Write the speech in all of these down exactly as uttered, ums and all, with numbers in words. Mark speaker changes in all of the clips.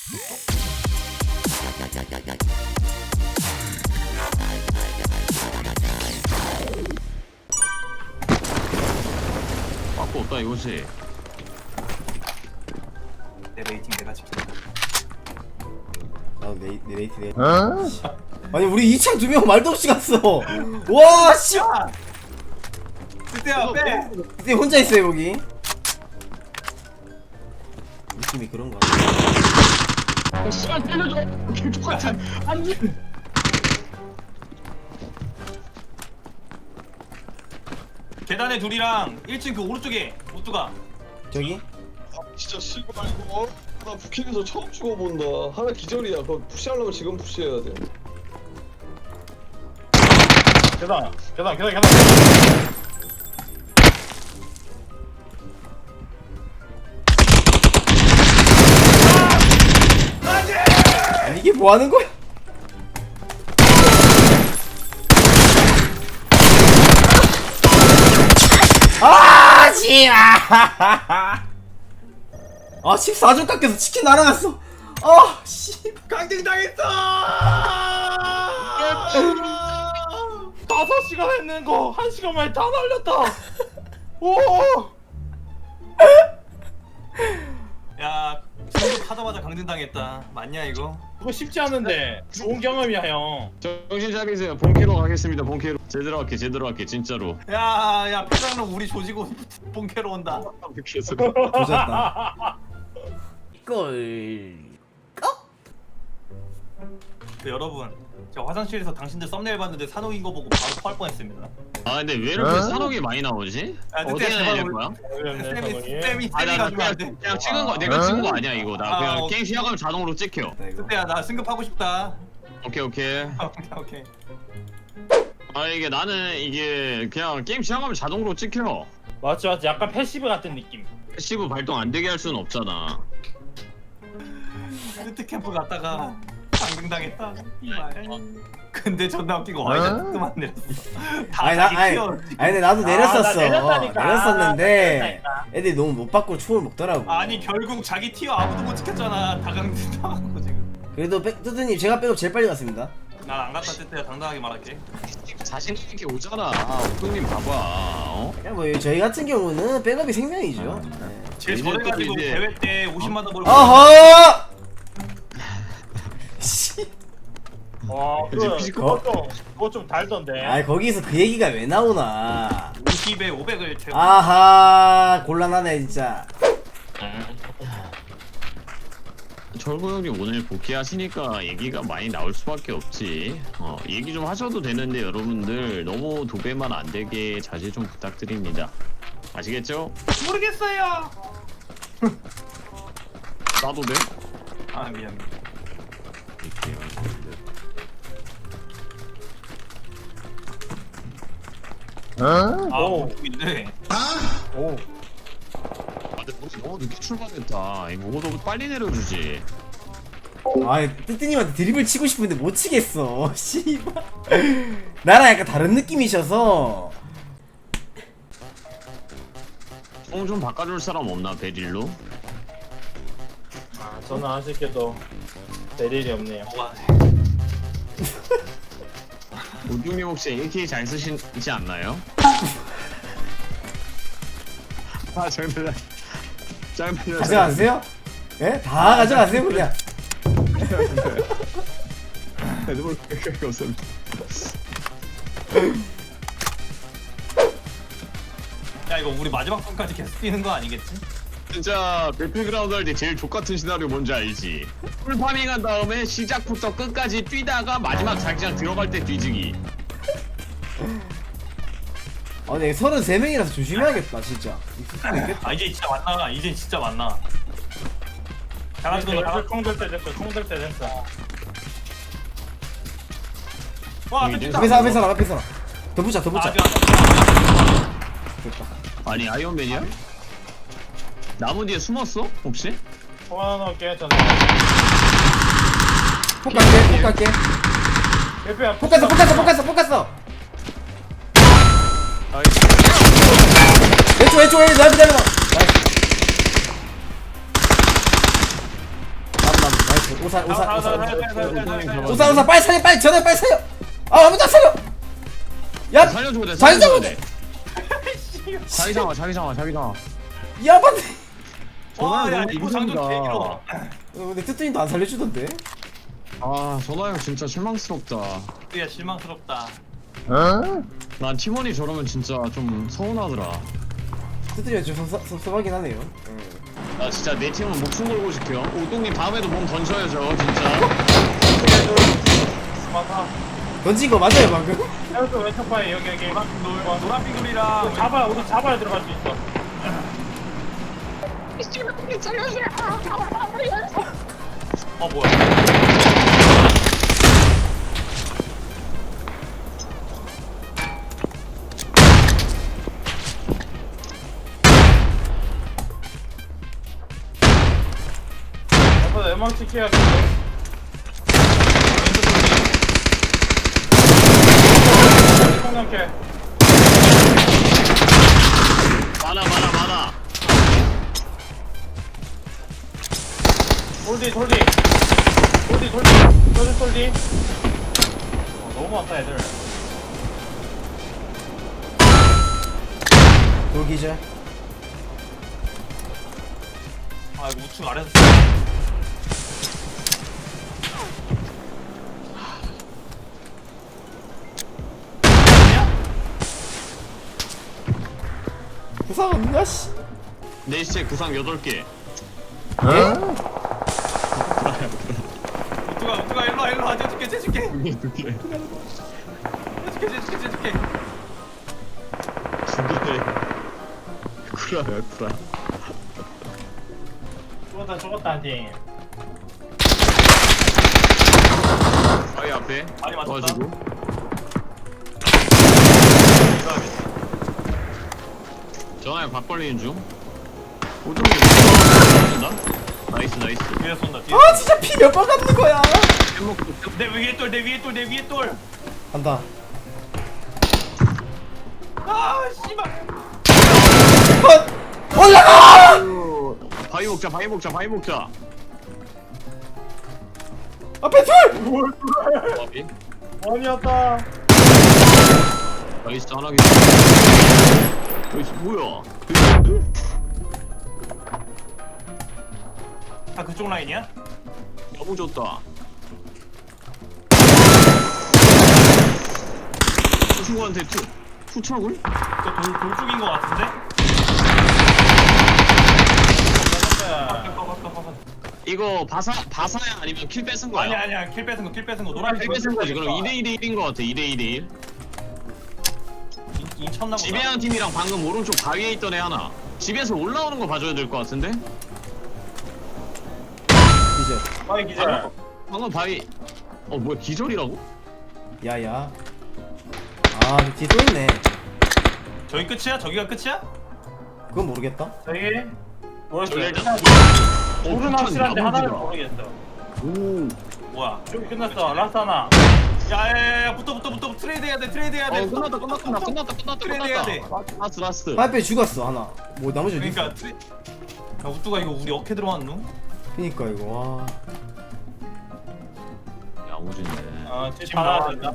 Speaker 1: 빠꾸 없다 이거지.
Speaker 2: 내 레이팅 내가 지킨다.
Speaker 3: 아, 내, 내 레이트 내. 아니 우리 이 창 두 명 말도 없이 갔어. 와 씨.
Speaker 2: 그때야 빼.
Speaker 3: 그때 혼자 있어요 여기. 느낌이 그런가.
Speaker 1: 아, 씨발 때려줘. 개똑같은. 아니.
Speaker 2: 계단에 둘이랑 일 층 그 오른쪽에 오뚜가.
Speaker 3: 저기?
Speaker 4: 아, 진짜 씨발 이거 나 부킹에서 처음 죽어본다. 하나 기절이야. 그거 푸시하려면 지금 푸시해야 돼.
Speaker 5: 계단 계단 계단 계단.
Speaker 3: 아니 이게 뭐 하는 거야? 아 씨발. 아 십사 점 깎여서 치킨 날아갔어. 아 씨.
Speaker 2: 강등 당했어.
Speaker 5: 다섯 시간 했는 거 한 시간 만에 다 날렸다. 오.
Speaker 2: 야, 승급 하자마자 강등 당했다. 맞냐 이거?
Speaker 5: 그거 쉽지 않은데 좋은 경험이야 형.
Speaker 1: 정신 차리세요. 본캐로 가겠습니다. 본캐로. 제대로 할게. 제대로 할게. 진짜로.
Speaker 2: 야, 야, 패장로 우리 조지고 본캐로 온다.
Speaker 3: 조졌다. 꼴.
Speaker 2: 네, 여러분, 제가 화장실에서 당신들 썸네일 봤는데 산옥인 거 보고 바로 토할 뻔했습니다.
Speaker 1: 아 근데 왜 이렇게 산옥이 많이 나오지?
Speaker 2: 아,
Speaker 1: 어디에
Speaker 2: 그때
Speaker 1: 내릴
Speaker 2: 제발
Speaker 1: 거야?
Speaker 2: 쌤이 쌤이 쌤이
Speaker 1: 아, 나, 나
Speaker 2: 가지고
Speaker 1: 그냥,
Speaker 2: 안 돼.
Speaker 1: 그냥 찍은 거 내가 찍은 거 아니야 이거. 나
Speaker 2: 아,
Speaker 1: 그냥
Speaker 2: 오케이.
Speaker 1: 게임 시작하면 자동으로 찍혀.
Speaker 2: 그때야 나 승급하고 싶다.
Speaker 1: 오케이 오케이.
Speaker 2: 오케이 오케이.
Speaker 1: 아 이게 나는 이게 그냥 게임 시작하면 자동으로 찍혀.
Speaker 5: 맞지 맞지 약간 패시브 같은 느낌.
Speaker 1: 패시브 발동 안 되게 할 수는 없잖아.
Speaker 2: 스트 캠프 갔다가 강등 당했다. 근데 존나 웃기고 와이자 뜨만 내렸어. 다
Speaker 3: 아니 나
Speaker 2: 자기
Speaker 3: 아니,
Speaker 2: 키워.
Speaker 3: 아니 근데 나도
Speaker 5: 아,
Speaker 3: 내렸었어.
Speaker 5: 나 내렸다니까.
Speaker 3: 내렸었는데
Speaker 5: 내렸다니까.
Speaker 3: 애들이 너무 못 받고 총을 먹더라고.
Speaker 2: 아니 결국 자기 티어 아무도 못 지켰잖아. 다 강등 당한 거 지금.
Speaker 3: 그래도 백 뜨드님 제가 백업 제일 빨리 갔습니다.
Speaker 2: 난 안 갔다 때때야 당당하게 말할게.
Speaker 1: 자신 있게 오잖아. 오동님 봐봐. 어?
Speaker 3: 그냥 뭐 저희 같은 경우는 백업이 생명이죠. 네.
Speaker 2: 제일
Speaker 1: 이제 또
Speaker 2: 저래가지고
Speaker 1: 이제-
Speaker 2: 대회 때 오십만 원 벌고.
Speaker 3: 어허! 씨.
Speaker 5: 와
Speaker 1: 이제
Speaker 5: 그거
Speaker 1: 피지컬-
Speaker 5: 그거 좀 그거 좀 달던데.
Speaker 3: 아 거기서 그 얘기가 왜 나오나?
Speaker 2: 오십에 오백을 채워.
Speaker 3: 아하 곤란하네 진짜.
Speaker 1: 철구 형님 오늘 복귀하시니까 얘기가 많이 나올 수밖에 없지. 어, 얘기 좀 하셔도 되는데 여러분들 너무 도배만 안 되게 자제 좀 부탁드립니다. 아시겠죠?
Speaker 2: 모르겠어요.
Speaker 1: 나도 돼?
Speaker 2: 아 미안.
Speaker 1: 이렇게
Speaker 2: 아
Speaker 5: 오.
Speaker 2: 모르겠네.
Speaker 5: 오.
Speaker 1: 아, 근데 너무- 너무 늦게 출발했다. 이거 뭐도 빨리 내려주지.
Speaker 3: 아 뜨뜨님한테 드립을 치고 싶은데 못 치겠어. 씨발. 나랑 약간 다른 느낌이셔서.
Speaker 1: 총 좀 바꿔줄 사람 없나 베릴로?
Speaker 5: 아 저는 아쉽게도 될 일이 없네요.
Speaker 2: 와,
Speaker 1: 오중님 혹시 에이케이 잘 쓰시지 않나요? 아 장난 장난
Speaker 3: 가져가세요? 예? 다 가져가세요 그냥.
Speaker 1: 너무 그렇게 없었는데.
Speaker 2: 야 이거 우리 마지막 분까지 계속 뛰는 거 아니겠지?
Speaker 1: 진짜 배틀그라운드 할 때 제일 족같은 시나리오 뭔지 알지? 풀파밍 한 다음에 시작부터 끝까지 뛰다가 마지막 자기장 들어갈 때 뒤지기.
Speaker 3: 아 근데 서른세 명이라서 조심해야겠다 진짜.
Speaker 2: 아 이제 진짜 만나. 이제 진짜 만나. 잘하는 거 다.
Speaker 5: 총들 때 됐어. 총들 때 됐어.
Speaker 2: 와
Speaker 1: 이제
Speaker 2: 됐다.
Speaker 3: 앞에 사람 앞에 사람 앞에 사람. 더 붙자 더 붙자.
Speaker 2: 아직 안
Speaker 3: 됐다.
Speaker 1: 아니 아이언맨이야? 나무 뒤에 숨었어? 혹시?
Speaker 5: 총 하나 넣을게. 저는.
Speaker 3: 폭 갈게 폭 갈게.
Speaker 5: 대표야.
Speaker 3: 폭 갔어 폭 갔어 폭 갔어 폭 갔어.
Speaker 1: 아이,
Speaker 3: 왼쪽 왼쪽 왼쪽 나이스 나이스 나이스. 나무 나무 나이스. 오사 오사
Speaker 5: 아,
Speaker 3: 오사
Speaker 5: 아, 아, 아, 아, 아, 아.
Speaker 3: 오사 오사 빨리 살려 빨리 전화 빨리 살려. 아 아무도 안 살려. 야
Speaker 1: 살려주고 돼.
Speaker 3: 잘
Speaker 1: 살려주고
Speaker 3: 잡아.
Speaker 1: 돼. 자기 장아, 자기 장아, 자기 장아.
Speaker 3: 야반데.
Speaker 2: 와야
Speaker 1: 너무
Speaker 2: 이거 장전
Speaker 1: 힘들다.
Speaker 2: 개 길어.
Speaker 3: 어, 근데 뜨뜨님도 안 살려주던데.
Speaker 1: 아, 전화 형 진짜 실망스럽다.
Speaker 2: 야 실망스럽다.
Speaker 1: 난 팀원이 저러면 진짜 좀 서운하더라.
Speaker 3: 뜨뜨이가 좀 섭- 섭섭하긴 하네요.
Speaker 1: 나 진짜 내 팀은 목숨 걸고 지켜. 오동님 다음에도 몸 던져야죠, 진짜.
Speaker 5: 맞아.
Speaker 3: 던진 거 맞아요 방금?
Speaker 5: 왼쪽 왼쪽 파에 여기 여기.
Speaker 2: 노 노란 빙글이랑
Speaker 5: 이거 잡아 우리 잡아야 들어갈 수 있어.
Speaker 2: 어 뭐야?
Speaker 5: 아빠 연막 지켜야겠어. 성남캐.
Speaker 1: 많아, 많아, 많아.
Speaker 5: 돌디 돌디. 돌디 돌디. 돌디 돌디. 어, 너무 많다 애들.
Speaker 3: 돌기절.
Speaker 2: 아 이거 우측 아래서.
Speaker 3: 부상 없냐 씨.
Speaker 1: 내 시체 구상 여덟 개.
Speaker 3: 예?
Speaker 2: 우뚜가 우뚜가 일로 와 일로 와 째줄게 째줄게
Speaker 1: 두 개.
Speaker 2: 째줄게 째줄게 째줄게.
Speaker 1: 두 개. 구라야, 구라.
Speaker 5: 죽었다 죽었다 한 팀.
Speaker 1: 바위 앞에.
Speaker 2: 많이 맞췄다.
Speaker 1: 도와주고. 전화에 박 걸리는 중. 오동님 쏜다. 나이스, 나이스.
Speaker 2: 뒤에 쏜다 뒤에.
Speaker 3: 아 진짜 피 몇 번 갖는 거야.
Speaker 1: 햄먹고
Speaker 2: 내 위에 돌 내 위에 돌 내 위에 돌.
Speaker 3: 간다.
Speaker 2: 아 씨발.
Speaker 3: 컷! 올라가!
Speaker 1: 바위 먹자, 바위 먹자, 바위 먹자.
Speaker 3: 앞에 둘!
Speaker 1: 바위.
Speaker 5: 원이었다.
Speaker 1: 나이스, 하나 기다. 나이스, 뭐야?
Speaker 2: 아 그쪽 라인이야?
Speaker 1: 너무 좋다. 그 친구한테 투, 투척을?
Speaker 2: 저돌 돌쪽인 거 같은데?
Speaker 1: 이거 바사, 바사야 아니면 킬 뺏은 거야?
Speaker 2: 아니야 아니야 킬 뺏은 거킬 뺏은 거 노란
Speaker 1: 킬 뺏은 거지. 그럼 이 대 이 대 일인 거 같아. 이 대 이 대 일.
Speaker 2: 인쳤나 보다.
Speaker 1: 지배한 팀이랑 방금 오른쪽 바위에 있던 애 하나. 집에서 올라오는 거 봐줘야 될 것 같은데?
Speaker 3: 기절.
Speaker 5: 빨리 기절.
Speaker 1: 방금 바위. 어 뭐야 기절이라고?
Speaker 3: 야야. 아 뒤에 또 있네.
Speaker 2: 저기 끝이야? 저기가 끝이야?
Speaker 3: 그건 모르겠다.
Speaker 5: 저기
Speaker 1: 저기
Speaker 5: 모르겠어요.
Speaker 1: 일단.
Speaker 5: 둘은
Speaker 1: 폭탄
Speaker 5: 확실한데 하나는
Speaker 1: 야무지다.
Speaker 5: 모르겠어.
Speaker 1: 오.
Speaker 2: 뭐야?
Speaker 5: 저기 끝났어. 라스트 하나.
Speaker 2: 야야야 붙어 붙어 붙어 트레이드 해야 돼 트레이드 해야 돼.
Speaker 1: 어 끝났다 끝났다 끝났다 끝났다 끝났다
Speaker 2: 트레이드 해야 돼.
Speaker 1: 끝났다. 라스트 라스트.
Speaker 3: 파이프에 죽었어 하나. 뭐 나머지 어디 있어?
Speaker 2: 그러니까 트레. 야 우뚜가 이거 우리 어깨 들어왔누?
Speaker 3: 그니까 이거 와.
Speaker 1: 야무지네.
Speaker 5: 어, 지금
Speaker 2: 지금
Speaker 5: 다
Speaker 2: 나와
Speaker 5: 나왔다.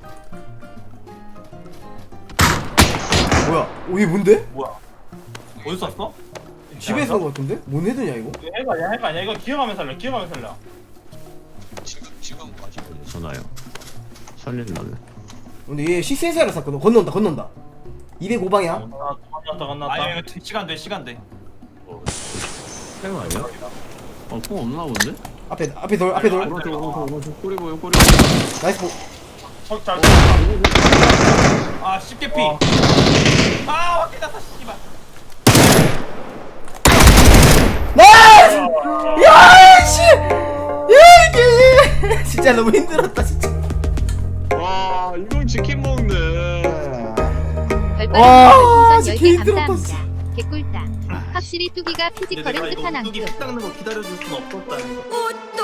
Speaker 3: 뭐야? 오, 이게 뭔데?
Speaker 2: 뭐야? 어디서 쐈어?
Speaker 3: 집에서 온 거 같은데? 뭔 헤드냐 이거?
Speaker 5: 이거 해가 아니야 해가 아니야 이거 기어가면 살려 기어가면 살려.
Speaker 1: 지금 지금 마시고 전화요. 살릴라면.
Speaker 3: 근데 얘 식센사를 샀거든. 건넌다 건넌다. 이백오 방향.
Speaker 5: 건넜다 건넜다 건넜다.
Speaker 2: 아니 이거 시간 돼 시간 돼.
Speaker 1: 생 아니야? 어뽕 없나 본데?
Speaker 3: 앞에 앞에 돌 앞에 돌.
Speaker 1: 오른쪽 오른쪽 오른쪽 꼬리 보여 꼬리.
Speaker 3: 나이스 보.
Speaker 5: 석잘
Speaker 2: 아 쉽게 피.
Speaker 5: 어.
Speaker 2: 아 확인 났다 씨발.
Speaker 3: 나이스! 야 씨! 야 이게 진짜 너무 힘들었다 진짜.
Speaker 1: 와 이건 치킨 먹네.
Speaker 3: 와,
Speaker 6: 별풍선
Speaker 3: 진짜
Speaker 6: 열 개
Speaker 3: 힘들었다,
Speaker 6: 감사합니다. 개꿀당. 확실히 뚜기가
Speaker 2: 근데 내가
Speaker 6: 피지컬은
Speaker 2: 이거
Speaker 6: 끝판왕
Speaker 2: 우뚝이
Speaker 6: 급.
Speaker 2: 피 닦는 거 기다려줄 순 없었다.
Speaker 6: 오